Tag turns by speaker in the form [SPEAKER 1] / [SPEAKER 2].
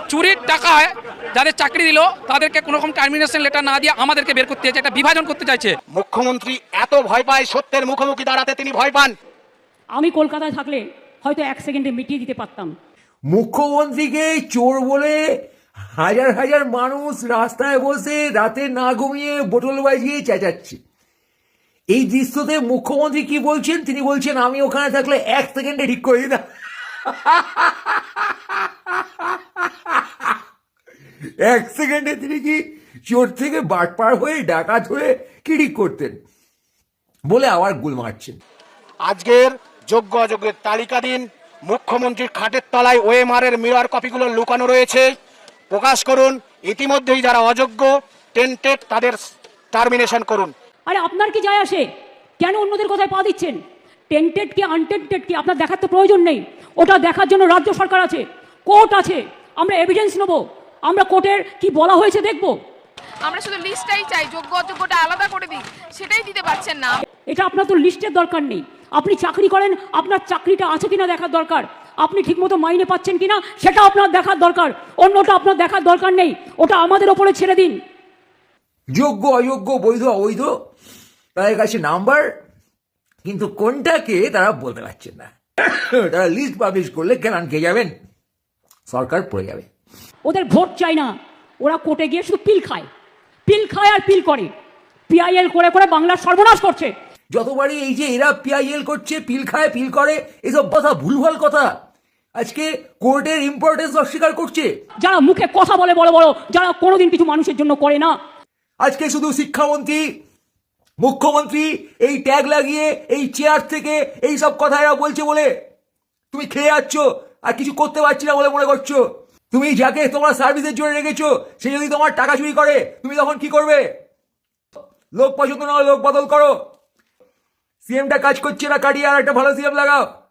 [SPEAKER 1] চুরির টাকায় যাদের চাকরি দিল তাদেরকে কোনো রকম টার্মিনেশন লেটার না দিয়ে আমাদেরকে বের করতে চাইছে, একটা বিভাজন করতে চাইছে।
[SPEAKER 2] মুখ্যমন্ত্রী এত ভয় পায়, সত্যের মুখোমুখি দাঁড়াতে তিনি ভয় পান।
[SPEAKER 3] আমি কলকাতায় থাকলে হয়তো 1 সেকেন্ডে মিটিয়ে দিতে পারতাম।
[SPEAKER 4] মুখ্যমন্ত্রীকে চোর বলে হাজার হাজার মানুষ রাস্তায় বসে রাতে না ঘুমিয়ে বোতল বাজিয়ে চেঁচাচ্ছে। এই দৃশ্যতে মুখ্যমন্ত্রী কি বলছেন? তিনি বলছেন আমি ওখানে থাকলে 1 সেকেন্ডে ঠিক করে দিতাম। 1 সেকেন্ডে তিনি কি চোর থেকে বাটপার হয়ে ডাকাত হয়ে কি ঠিক করতেন বলে আবার গুল মারছেন।
[SPEAKER 2] আজকের যোগ্য অযোগ্যের তালিকা দিন। মুখ্যমন্ত্রীর খাটের তলায় ওএমআর এর মিরর কপিগুলো লুকানো রয়েছে, প্রকাশ করুন। ইতিমধ্যেই যারা অযোগ্য টেন্টেড তাদের টার্মিনেশন করুন।
[SPEAKER 3] আরে আপনার কি যায় আসে? কেন অন্যদের কথায় পা দিচ্ছেন? টেন্টেড কি আনটেন্টেড কি আপনার দেখার তো প্রয়োজন নেই। ওটা দেখার জন্য রাজ্য সরকার আছে, কোর্ট আছে। আমরা এভিডেন্স নেব, আমরা কোর্টের কি বলা হয়েছে দেখব।
[SPEAKER 5] আমরা শুধু লিস্টটাই চাই, যোগ্য অযোগ্যটা আলাদা করে দিই, সেটাই দিতে পারছেন না।
[SPEAKER 3] এটা আপনার তো লিস্টের দরকার নেই। আপনি চাকরি করেন, আপনার চাকরিটা আছে কিনা দেখার দরকার। আপনি ঠিকমতো মাইনে পাচ্ছেন কিনা সেটা আপনার দেখার দরকার, অন্যটা আপনার দেখার দরকার নেই। ওটা আমাদের ওপরে ছেড়ে দিন।
[SPEAKER 4] যোগ্য অযোগ্য বৈধ অবৈধ তাদের কাছে নাম্বার, কিন্তু কোনটাকে তারা বলতে পারছেন না। তারা লিস্ট পাবলিশ করলে কেন খেয়ে যাবেন, সরকার পড়ে যাবে।
[SPEAKER 3] ওদের ভোট চাই না, ওরা কোর্টে গিয়ে শুধু পিল খায়, পিল খায় আর পিল করে। পিআইএল করে করে বাংলার সর্বনাশ করছে।
[SPEAKER 4] যতবারই এই যে এরা পিআইএল করছে, পিল খায়, পিল করে, এসব কথা ভুলভাল কথা। আজকে কোর্টের ইম্পর্টেন্স অস্বীকার করছে
[SPEAKER 3] যারা মুখে কথা বলে বড় বড়, যারা কোনোদিন কিছু মানুষের জন্য করে না।
[SPEAKER 4] আজকে শুধু শিক্ষামন্ত্রী মুখ্যমন্ত্রী এই ট্যাগ লাগিয়ে এই চেয়ার থেকে এই সব কথা এরা বলছে বলে তুমি খেয়ে যাচ্ছ আর কিছু করতে পারছি না বলে মনে করছো। তুমি যাকে তোমার সার্ভিসের জন্য রেখেছো সে যদি তোমার টাকা চুরি করে তুমি তখন কি করবে? লোক পছন্দ না হলে লোক বদল করো। সিএমটা কাজ করছে না, কাটিয়ে আর একটা ভালো সিএম লাগাও।